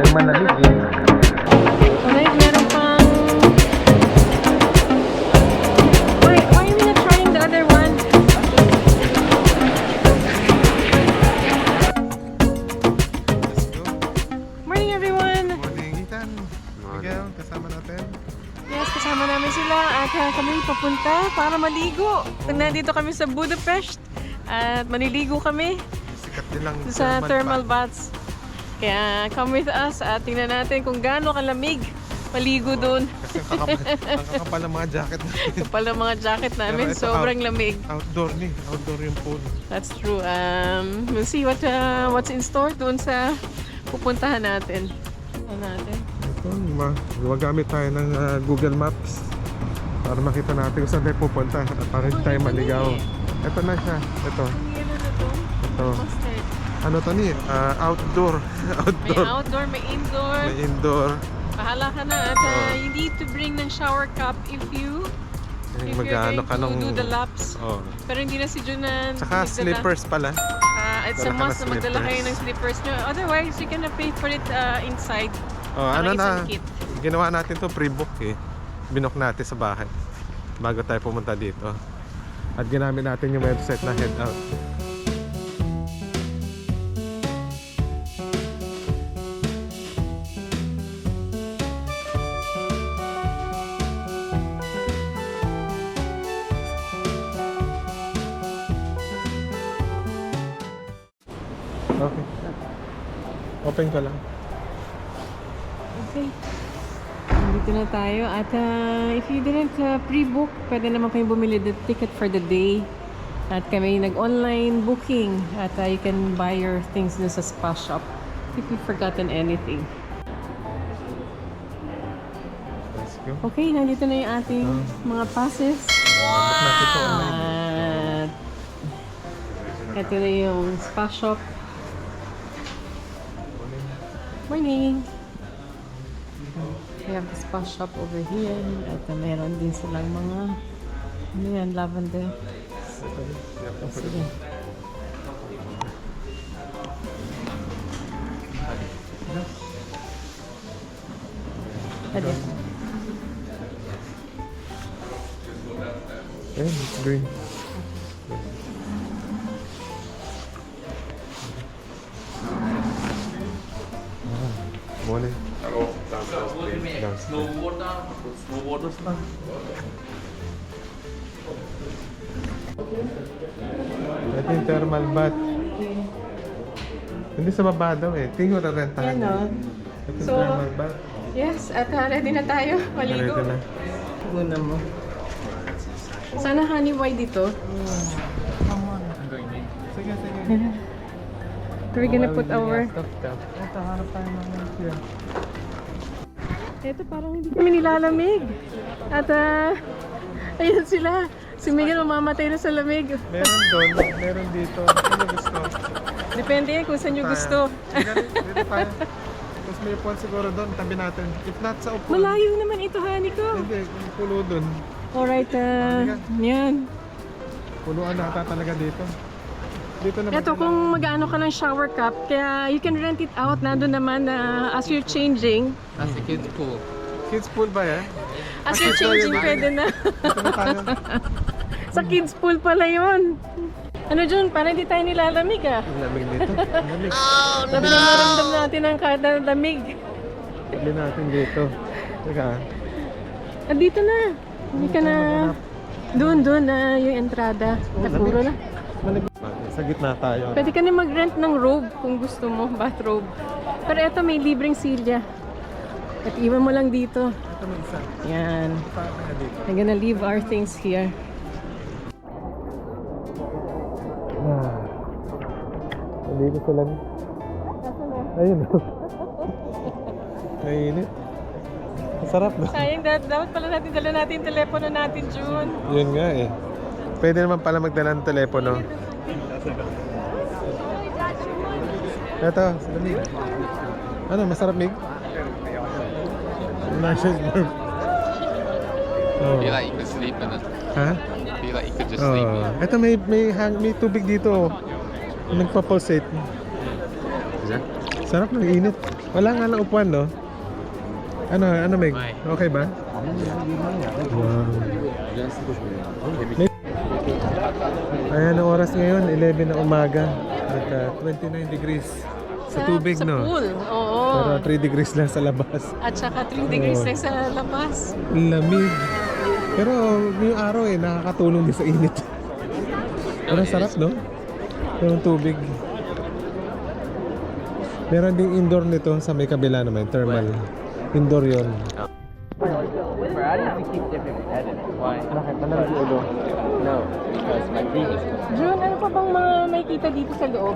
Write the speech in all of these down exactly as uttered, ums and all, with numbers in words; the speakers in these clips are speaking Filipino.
yung malamig eh. Alright, meron pang... Why, why are we not trying the other one? Let's go. Morning everyone! Morning, Ethan. Miguel, kasama natin. Yes, kasama namin sila at uh, kami papunta para maligo. Nandito kami sa Budapest at maliligo kami Sikat din lang sa thermal baths. Kaya come with us at tingnan natin kung gaano kalamig maligo doon. Kasi ang kakapal, ang kakapal ng mga jacket natin. Kapal ang mga jacket namin, Pero ito, sobrang out- lamig. Outdoor ni, outdoor yung pool. That's true. Um, we'll see what uh, what's in store doon sa pupuntahan natin. Ano natin? Ito, ma gumagamit tayo ng ah, Google Maps para makita natin kung saan tayo pupunta at para hindi tayo maligaw. Ito na siya. Ito. Ano na to? Ito. Mustard. Ano to ni? Ah, outdoor. May outdoor. outdoor, may indoor. May indoor. Bahala ka na at uh, you need to bring ng shower cup if you if you're Mag-ano going ka to nung... do the laps. Oh. Pero hindi na si Jun na Tsaka nagdala. slippers pala. Ah, it's a Dala ka must ng na magdala kayo slippers. ng slippers nyo. Otherwise, you're gonna pay for it uh, inside. Oh, Parang ano isang na? kit. Ginawa natin to pre-book eh. Binook natin sa bahay bago tayo pumunta dito. At ginamit natin yung website na Head Out. Okay. Open ka lang. Okay. Dito na tayo. At uh, if you didn't uh, pre-book, pwede naman kayong bumili the ticket for the day. At kami nag-online booking. At uh, you can buy your things dun sa spa shop if you've forgotten anything. Let's go. Okay, nandito na yung ating mga passes. Book natin to online. At ito na yung spa shop. Morning! We have the spa shop over here. At uh, meron din silang mga ano yan, lavender. Sige. Ade. Eh, it's green. Ah, morning. Downstairs. Snowboarder, snowboarders na. Ito yung thermal bath. Hindi sa baba daw eh. Tingin ko rarentahan. Yan, no? Ito yung So, thermal bath. Yes, at uh, ready na tayo. Maligo. Ready na. Guna mo. Sana honey white dito. Sige, sige. We're gonna put our... Ito, harap tayo naman siya. Ito parang hindi kami nilalamig. At ah, ayun sila. Si Miguel mamamatay na sa lamig. Meron doon, meron dito. Ano gusto? Depende yan kung saan nyo Tayo. gusto. Sige, dito tayo. Tapos may upuan siguro doon, tabi natin. If not sa upuan. Malayo naman ito, honey ko. Hindi, yung pulo doon. Alright, ah, yan. Puluan na ata talaga dito. Dito naman. Ito kung mag-ano ka ng shower cup, kaya you can rent it out. Nandun naman na as you're changing. That's the kids pool. Kids pool ba yan? As you're changing, pwede na. Dito na tayo. Sa kids pool pala yun. Ano Jun, parang hindi tayo nilalamig ah. Ang lamig dito. Ang lamig. Oh, Sabi na maramdam natin ang kada lamig. Tabi natin dito. Teka. Ah, dito na. Hindi ka na... Doon, doon na yung entrada. Nakuro na. Malamig. Sa gitna tayo. Pwede ka na mag-rent ng robe kung gusto mo, bathrobe. Pero eto may libreng silya. At iwan mo lang dito. Ito may isa. Yan. Pa na dito. I'm gonna leave our things here. Ah. Nandito sila. Ayun. Mainit. Masarap no? Sayang, da- dapat pala natin dala natin yung telepono natin, June. Yun nga eh. Pwede naman pala magdala ng telepono. Ito, sabi. Ano, masarap, Mig? Lashes burp. Oh. Feel like you could sleep in it. Ha? Feel like you could just sleep in Oh. it. Ito, may, may, hang, may tubig dito. Nagpa-pulsate. Is it? Sarap ng init. Wala nga lang upuan, no? Ano, ano, Meg? May. Okay ba? Wow. Ayan ang oras ngayon, eleven na umaga. At uh, twenty-nine degrees sa tubig, sa no? pool, oo. Pero three degrees lang sa labas. At saka three degrees Oo. lang sa labas. Lamig. Pero yung araw eh, nakakatulong din sa init. Pero sarap, no? Yung tubig. Meron ding indoor nito sa may kabila naman, thermal. Indoor yun. For Addis, we keep different edits. Why? Bakit? Malamig yung ulo. No, because my previous one. June, ano pa bang mga may kita dito sa loob?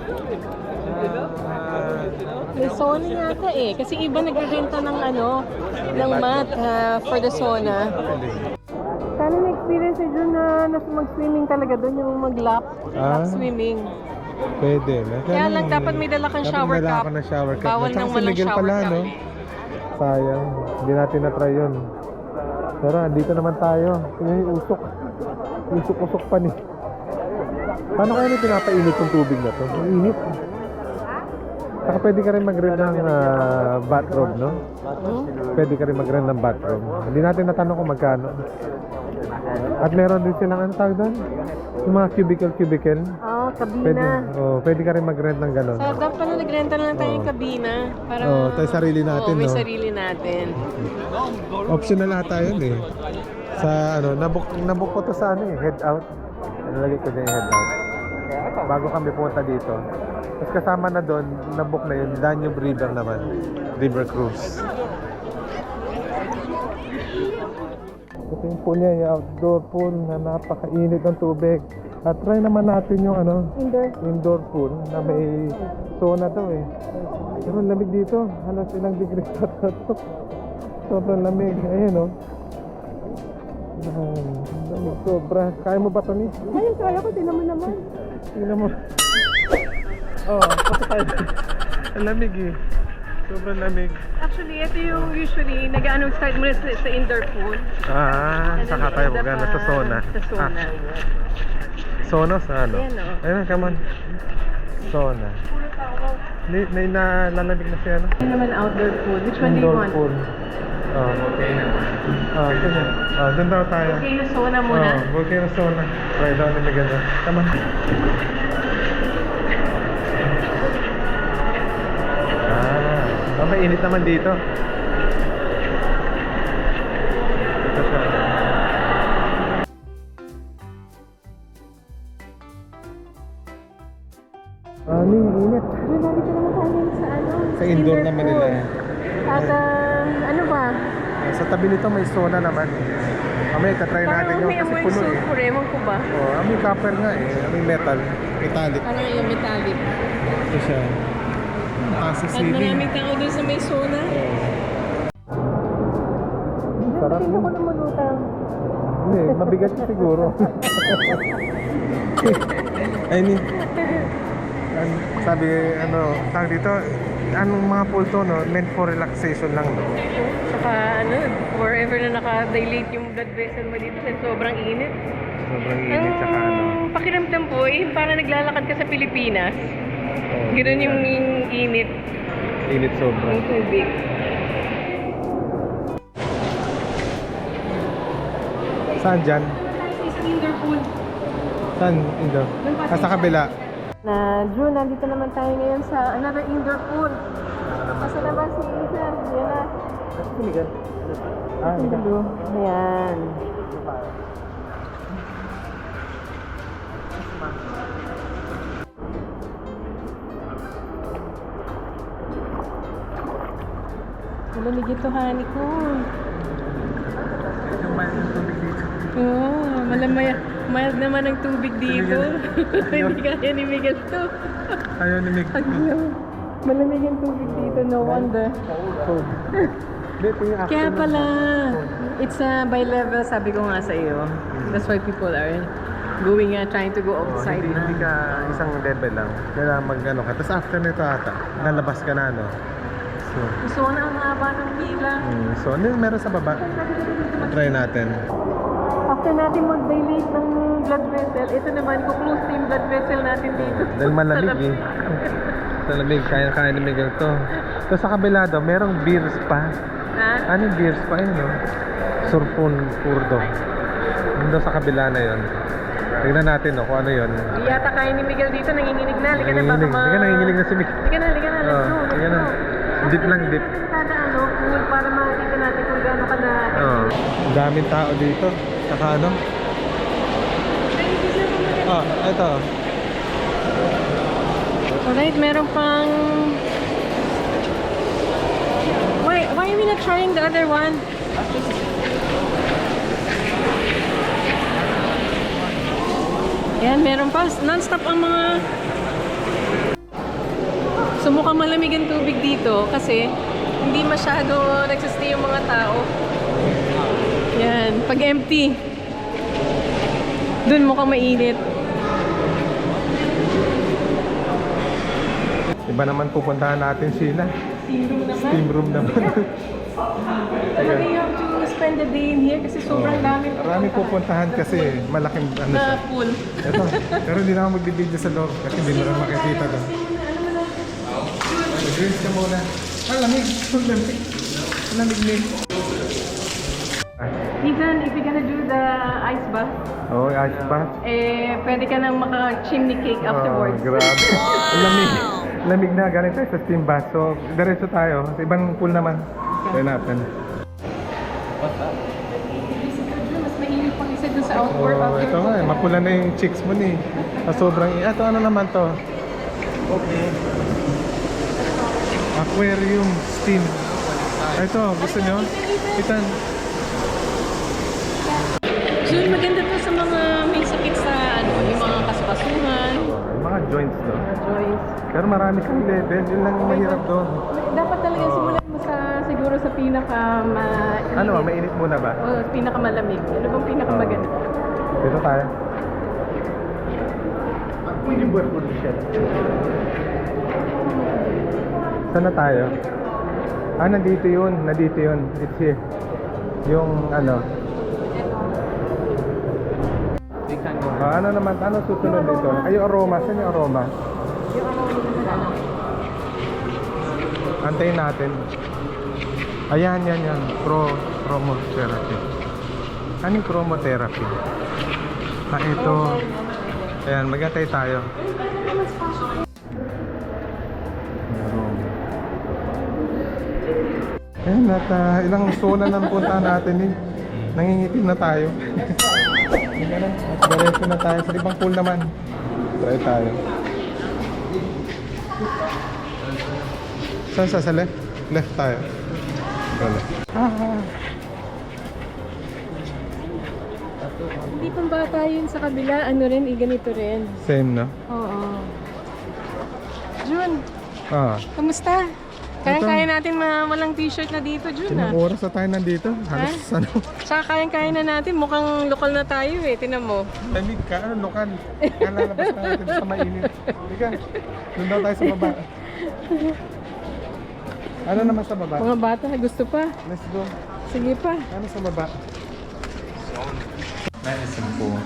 May sauna yata eh. Kasi iba nagrerenta ng ano, ng mat ah, for the sauna. Sana na-experience si June na nas- mag-swimming talaga doon, yung mag-lap, lap Ah. swimming. Pwede. Na. Kaya lang dapat may dala kang Dapat shower may dala cup. ka ng shower cup. Bawal At saka nang si walang Miguel shower pala, cup. no? Sayang. Hindi natin na-try yun. Pero andito naman tayo. Tingnan yung usok. Usok-usok pa ni. Paano kaya may pinapainit yung tubig na to? Ang init. Saka pwede ka rin mag-rent ng ah, bathrobe, no? Hmm? Pwede ka rin mag-rent ng bathrobe. Hindi natin natanong kung magkano. At meron din silang, ano tawag doon? Yung mga cubicle-cubicle. Oh, Pwede, kabina. oh, pwede ka rin mag-rent ng gano'n. Sa dapat pala nagrenta na lang tayo ng Oo. kabina. Para, Oo, tayo sarili natin, Oo, may no? sarili natin. Optional ata yun eh. Sa ano, nabook, nabook ko to sa ano eh, head out. Nalagay ko din yung head out. Bago kami punta dito. Tapos kasama na doon, nabook na yun, Danube River naman. River Cruise. Ito yung pool niya, yung outdoor pool na napakainit ng tubig. At try naman natin yung ano, Indoor. indoor pool na may sauna daw eh. Pero ang lamig dito, halos ilang degrees pa to. Sobrang lamig. Ayun oh. Ayan, lamig sobra. Kaya mo ba ito ni? Ayun, kaya ko, tinan mo naman. Tingnan mo. Oh, pati tayo. Ang lamig eh. Sobrang lamig. Actually, ito yung usually, nag-ano start muna sa, sa indoor pool. Ah, And then saka tayo end up, magana sa ah, sauna. Sa sauna. Ah, sauna sa ano? Ayan, oh. Ayun, come on. Sauna. Hindi, may nalalamig na siya, no? Ito naman outdoor pool. Which one do you Indoor want? pool. Oh, okay. Oh, sige. Oh, dun daw tayo. Okay, yung sauna muna. Oh, volcano sauna. Try daw ni Miguel. Come on. Ah, oh, may init naman dito. Ito siya. Ano yung init? Jun, nandito naman tayo sa ano? Sa indoor naman nila. At ah, ano ba? Ah, Sa tabi nito may sauna naman. Mamaya tatry natin Parang yun may kasi amoy puno eh. sulfur, ewan ko ba? Oh, amoy copper nga eh. Amoy metal. Metallic. Parang yung metallic. Ito siya. Taas sa At ceiling. maraming tao doon sa may sauna. Sarap Tingnan yun. ko na malutang. Hindi, mabigat siya siguro. Ay ni. An- Sabi ano, tawag dito, anong mga pool to no, meant for relaxation lang no. Saka ano, forever na naka-dilate yung blood vessel mo dito sa sobrang init. Sobrang init tsaka ano. Ang pakiramdam po, eh, parang naglalakad ka sa Pilipinas. Oh, Ganoon yung yan. init Init sobra. ng tubig. Saan dyan? Isang indoor pool. Saan? Indo? Ah, sa kabila. Na June, nandito naman tayo ngayon sa another indoor pool. Asa na ba si Isa? Yan na. Ah, ito. Ayan. Malamig ito, honey ko. Yung mild yung tubig dito. Oo, malamay. Mild naman ang tubig dito. Hindi kaya ni Miguel to. Ayaw ni Mick. Aglaw. Malamig ang tubig dito, no wonder. Cold. Hindi, ito yung Kaya afternoon. pala, it's uh, by level, sabi ko nga sa iyo. That's why people are going, uh, trying to go Oh, outside hindi, na. hindi ka isang level lang. Kailangan mag-ano ka. Tapos after nito ata, lalabas ka na, no? So, Gusto ko na ang haba ng pila. mm, so ano yung meron sa baba? Try natin. After natin mag-dilate ng blood vessel, ito naman, kuklose yung blood vessel natin dito. Dahil malamig Sarap. eh. Sa lamig, kaya-kaya ni Miguel to. Tapos sa kabila daw, merong beer spa. Ha? Ano yung beer spa yun, no? Surpon Purdo. Yun daw sa kabila na yun. Tignan natin, no, kung ano yun. Di yata kaya ni Miguel dito, nanginginig na. Liga na, baka Nanginginig. ma... Liga, nanginginig na si Miguel. Liga na, liga na, let's Oo, go, let's liga na. go. Dip lang, dip. Kada ano, pool para makita natin kung gaano ka na... Oh, daming tao dito. Saka ano? Ah, ito. Alright, meron pang... Why, why are we not trying the other one? Yan, meron pa. Non-stop ang mga... So mukhang malamig ang tubig dito kasi hindi masyado nagsistay yung mga tao. Yan, pag empty. Dun mukhang mainit. Iba naman pupuntahan natin sila. Steam room naman. Steam room naman. Talaga you have to spend the day in here kasi sobrang dami. Marami pupuntahan kasi malaking ano siya. Na pool. Ito, pero hindi na ako magbibideo sa loob kasi hindi mo na makikita doon. Mag-rinse ka muna. Ah, lamig. Ang lamig. Ang lamig din. Ethan, if you're gonna do the ice bath, Oo, oh, ice bath. eh, pwede ka nang maka-chimney cake Oh, afterwards. grabe. Ang lamig. Lamig na. Galing tayo sa steam bath. So, diretso tayo. Sa ibang pool naman. Kaya natin. Mas mainit pang isa dun sa outdoor. Oh, ito nga eh. Mapula na yung cheeks mo ni. Sa sobrang... Ito, ano naman to? Okay. Aquarium steam. Ito, gusto nyo? Itan. Jun, maganda to sa mga may sakit sa ano, yung mga kasukasuhan. Yung mga joints to. Joyce. Pero marami kang level. Yun lang yung mahirap doon. Dapat talaga simulan mo sa siguro sa pinaka ma Ano, mainit muna ba? o pinaka malamig. Ano bang pinaka maganda? Dito tayo. Pwede buwan po siya. Saan na tayo? Ah, nandito yun. Nandito yun. It's here. Yung ano. Ah, ano naman? Ano susunod dito? Ay, yung aroma. Saan yung aroma? Antayin natin. Ayan, yan, yan. Pro, chromotherapy. Ano yung chromotherapy? Ah, ito. Ayan, mag-antay tayo. Ayan, at uh, ilang zona ng punta natin eh. Nangingitim na tayo. Ayan, at diretso na tayo. Sa ibang pool naman. Try tayo. Saan sa, sa left? Left tayo. Wala. Ah, Hindi pang bata yun sa kabila. Ano rin, eh, ganito rin. same no? Oo. Jun, Ah. kamusta? Kayang-kaya natin ma walang t-shirt na dito, Jun, ah. Ilang oras na tayo nandito? Halos ano? Tsaka kayang-kaya na natin. Mukhang lokal na tayo eh. Tinan mo. Lamig ka, ano, lokal. Kalalabas na natin sa mainit. Liga, doon daw tayo sa baba. Ano naman sa baba? Mga bata, gusto pa. Let's go. Sige pa. Ano sa baba? Medicine po.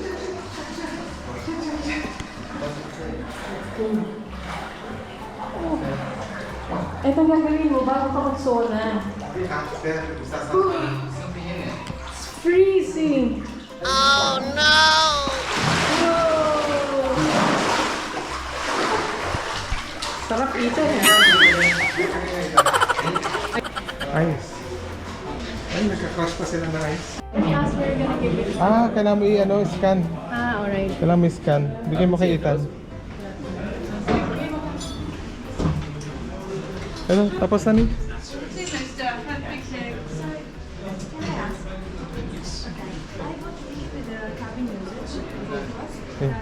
Ito ang gagawin mo bago ka mag-sauna. Freezing! Oh no! Sarap ito eh. Ice. Ay, nagka-crush pa sila ng ice. Yes, we're gonna give it. Ah, kailangan mo i-ano, scan. Ah, alright. Kailangan mo i-scan. Bigyan mo kay Ethan. Ano, tapos na ni? Okay.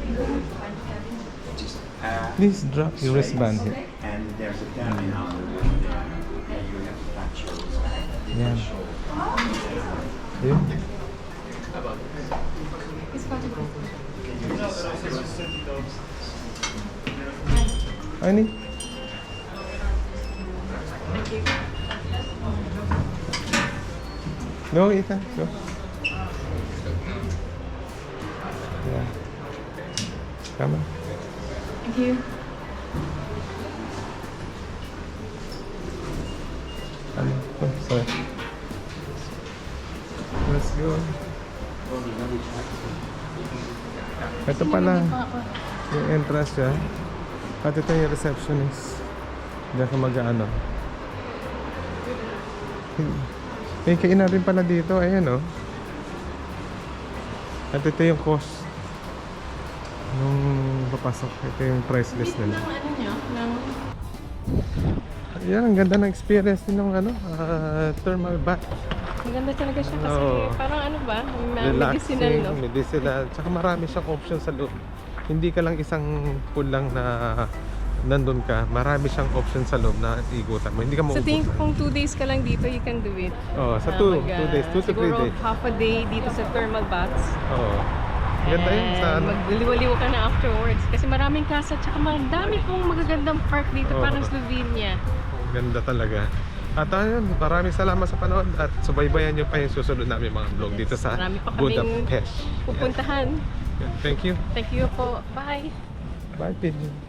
Please drop your wristband here. And there's a terminal there, and you have to touch yours. Yan. Yun. Ano? Go, Ethan. Go. Yeah. Come on. Thank you. Ano? Oh, sorry. Let's go. Ito pala. Yung entrance siya. At ito yung receptionist. Diyan ka mag-ano. May kainan rin pala dito. Ayan oh. At ito yung cost. Nung papasok. Ito yung price list nila. Ng ano nyo? Ng... Ayan, ang ganda ng experience din ng ano, ah, thermal bath. Maganda talaga siya kasi Oo. parang ano ba? May Relaxing, medicinal, no? medicinal. Tsaka marami siyang option sa loob. Hindi ka lang isang pool lang na nandun ka. Marami siyang option sa loob na igutan mo. Hindi ka Sa maubos. tingin ko kung two days ka lang dito, you can do it. Oo, sa Ah, two, mag, ah, two days, two to three siguro days. half a day dito sa thermal baths. Oo. Ganda yun sa And ano. magliliwaliw ka na afterwards. Kasi maraming casa, tsaka madami pong magagandang park dito, Oo. parang Slovenia. Ganda talaga. At ayun, maraming salamat sa panood at subaybayan nyo pa yung susunod namin mga vlog dito sa Marami pa kaming Budapest. pupuntahan. Thank you. Thank you po. Bye! Bye, Pigeon.